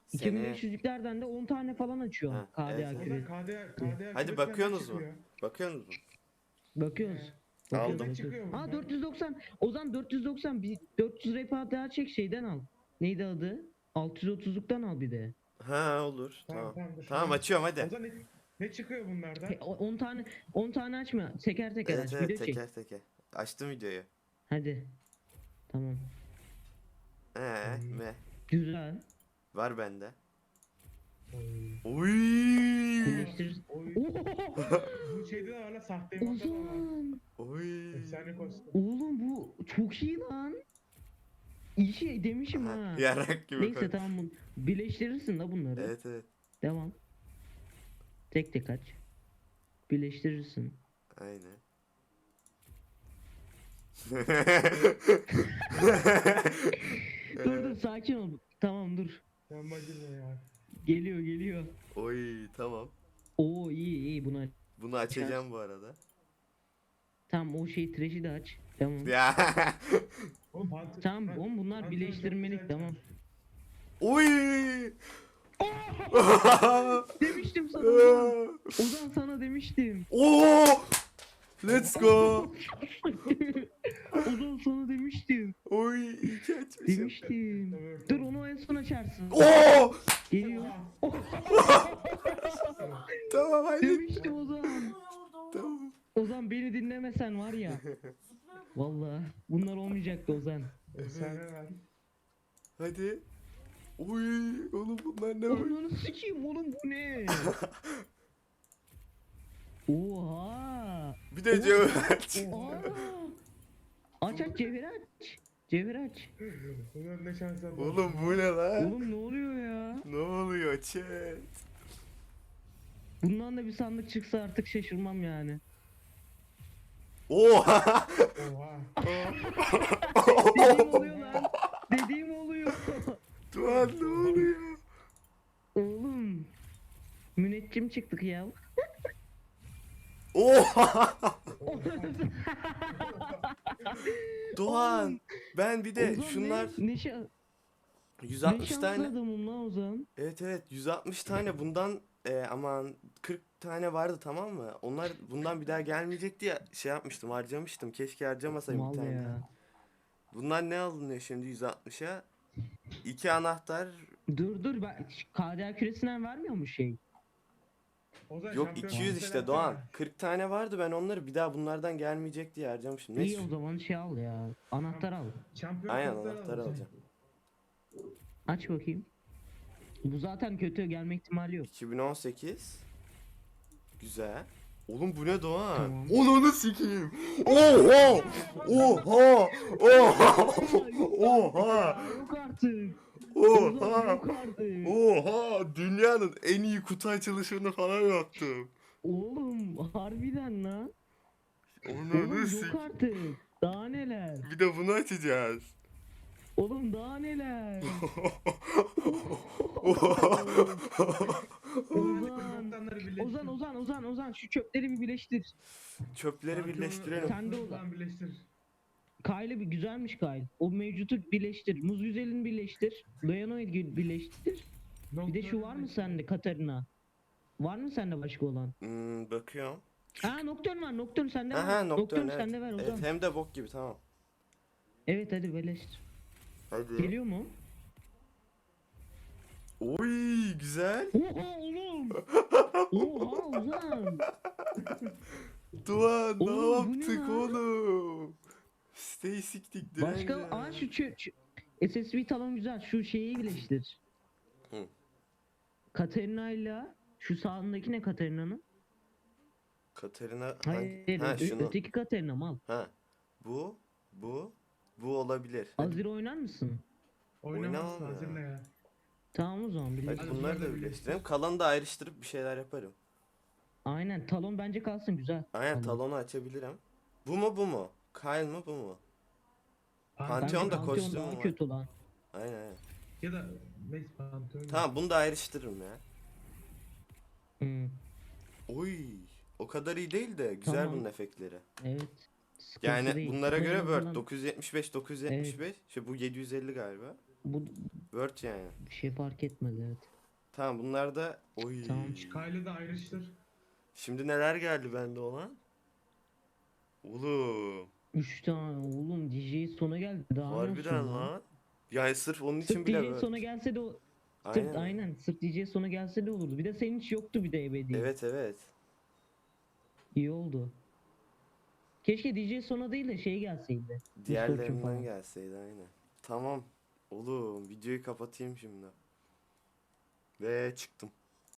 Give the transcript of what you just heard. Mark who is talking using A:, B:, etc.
A: Seni
B: 2500'lüklerden de 10 tane falan açıyor
A: Ha,
B: KDA
A: evet,
B: küresi.
C: KDA
A: hadi
C: küresinden
A: bakıyorsunuz mu?
C: çıkıyor?
A: Bakıyorsunuz mu?
B: Bakıyoruz.
A: Aldım.
B: Bakıyoruz.
C: Çıkıyor
B: Ha
C: bunlar.
B: 490. Ozan 490 bir 400 repa daha çek şeyden al. Neydi adı? 630'luktan al bir de.
A: Ha olur.
C: Tamam
A: Tamam.
C: dur.
A: Tamam açıyorum hadi.
C: O zaman ne çıkıyor bunlardan?
B: 10 tane açma. Teker teker
A: Evet
B: aç.
A: evet
B: Video çek.
A: teker teker. Açtım videoyu.
B: Hadi. Tamam.
A: Me.
B: Güzel.
A: Var bende.
C: Oy.
A: Oy.
B: Birleştir.
C: Oy.
B: Oho!
C: Bu şeyde de var lan, sahte emotlar da var.
B: Ozan.
A: Oy.
C: Efsane kostüm.
B: Oğlum bu çok iyi lan. İyi şey demişim
A: Aha,
B: ha.
A: yarak gibi
B: Neyse
A: koy.
B: tamam birleştirirsin da bunları.
A: Evet evet.
B: Devam. Tek tek aç. Birleştirirsin.
A: Aynen.
B: Dur dur sakin ol. Tamam dur.
C: Sen bacım ya.
B: Geliyor geliyor.
A: Oy tamam.
B: Oo iyi iyi buna.
A: Bunu açacağım bu arada.
B: Tamam o şey trash'i de aç. Tamam.
A: Ya.
C: Oğlum pantolon.
B: Tamam oğlum bunlar birleştirmelik tamam.
A: Oy.
B: Demiştim sana Ozan. Ozan sana demiştim.
A: Oo! Let's go.
B: Ozan sana demiştim.
A: Oy iyi ki açmışım.
B: Demiştim. Dur onu en son açarsın.
A: Oo!
B: Geliyor.
A: Tamam hadi.
B: Demiştim Ozan.
A: Tamam.
B: Ozan beni dinlemesen var ya. Vallahi bunlar olmayacaktı Ozan.
C: Efsane lan.
A: Hadi. Oy oğlum bunlar ne böyle?
B: Onu sikeyim oğlum bu ne? Oha.
A: Bir de cevap aç.
B: Aa. Aç aç cevher aç. Cevher aç.
C: Bunlar ne şanslar var.
A: Oğlum bu ne lan?
B: Oğlum ne oluyor ya?
A: Ne oluyor chat?
B: Bundan da bir sandık çıksa artık şaşırmam yani.
A: Oha!
C: Oha.
B: Dediğim oluyor lan. Dediğim oluyor.
A: Tuan ne oluyor?
B: Oğlum. Müneccim çıktık ya.
A: Oha! Doğan ben bir de
B: Ozan
A: şunlar
B: ne
A: 160
B: şanslı
A: tane.
B: adamım lan Ozan.
A: Evet evet 160 tane bundan aman 40 tane vardı tamam mı? Onlar bundan bir daha gelmeyecek diye şey yapmıştım harcamıştım. Keşke harcamasaydım bir
B: Mal
A: tane.
B: ya.
A: Bunlar ne alınıyor şimdi 160'a? 2 anahtar
B: Dur dur ben KDA küresinden vermiyor mu şey?
C: Ozan,
A: yok
C: şampiyon
A: 200
C: listesi
A: işte
C: yapsana.
A: Doğan. 40 tane vardı ben onları bir daha bunlardan gelmeyecek diye harcamıştım.
B: İyi
A: Neyse.
B: o zaman şey al ya. Anahtar al.
C: Şampiyon
A: Aynen
C: listesi
A: anahtar
C: al.
A: alacağım.
B: Aç bakayım. Bu zaten kötü gelme ihtimali yok.
A: 2018. Güzel. Oğlum bu ne Doğan?
B: Tamam.
A: Onu sikeyim. Oha! Oha! Oha! Oha!
B: Yok artık. Ozan
A: Oha!
B: yok artık.
A: Oha! Dünyanın en iyi kutu açılışını falan yaptım.
B: Oğlum harbiden lan.
A: Onu
B: Oğlum yok
A: sik.
B: artık. Daha neler?
A: Bir de bunu açacağız.
B: Oğlum daha neler? Ozan. Ozan şu çöpleri bir birleştir.
A: Çöpleri birleştirelim.
B: Sen de
C: Ozan birleştir.
B: Kyle bir güzelmiş Kyle. O mevcutu birleştir. Muz güzelini birleştir. Leonoid birleştir. Bir de şu var mı sende Katarina? Var mı sende başka olan?
A: Bakıyorum.
B: Aa Nocturne var. Nocturne sende var.
A: Aha Nocturne evet.
B: sende ver Ozan.
A: Evet hem de bok gibi tamam.
B: Evet hadi birleştir.
A: Hadi.
B: Geliyor mu?
A: Oy güzel.
B: Oha oğlum. Oha Ozan.
A: Doğan ne
B: Oğlum, bu ne
A: yaptık
B: lan?
A: oğlum? Stay siktik
B: Başka
A: direnci.
B: aa şu SSV talon güzel. Şu şeyi birleştir.
A: Hı.
B: Katarina ile şu sağındaki ne Katarina'nın?
A: Katerina
B: Hayır,
A: Ha şunu.
B: öteki Katarina mal.
A: Ha. Bu olabilir.
B: Azir oynar mısın?
C: Oynamazsın
A: Oynamam ya.
C: hazırla ya.
B: Tamam o zaman
A: Hadi
B: birleştir.
A: bunları
C: bunları
A: da
C: da
A: birleştirelim. Kalanı da ayrıştırıp bir şeyler yaparım.
B: Aynen talon bence kalsın güzel.
A: Aynen
B: Talon.
A: talonu açabilirim. Bu mu? Kyle mı bu mu?
C: Aa,
A: Pantheon
B: Bence
A: da
B: Pantheon
A: kostümü
B: daha
A: var.
B: kötü lan.
A: Aynen.
C: Ya da Max Pantolon.
A: Tamam bunu da ayrıştırırım ya.
B: Hmm,
A: Oy. O kadar iyi değil de güzel
B: Tamam.
A: bunun efektleri.
B: evet. Sıkıntı
A: Yani
B: değil.
A: bunlara
B: Ama en
A: göre Word
B: azından
A: 975 975. İşte bu 750 galiba.
B: Bu
A: Word yani.
B: Bir şey fark etmez, evet.
A: Tamam bunlar da oy.
B: Tamam.
C: Kayla da ayrıştır.
A: Şimdi neler geldi bende olan? Oğlum.
B: 3 tane oğlum, DJ sona geldi. Daha ne olsun
A: Harbiden
B: lan?
A: lan. Yani sırf onun için
B: Sırf
A: bile
B: DJ sona
A: Word.
B: gelse de o
A: Aynen.
B: aynen sırf DJ sona gelse de olurdu. Bir de senin hiç yoktu bir de ebedi.
A: Evet evet.
B: İyi oldu. Keşke DJ sona değil de şey gelseydi. Misfortune
A: Diğerlerinden
B: falan.
A: gelseydi aynen. Tamam. Oğlum videoyu kapatayım şimdi. Ve çıktım.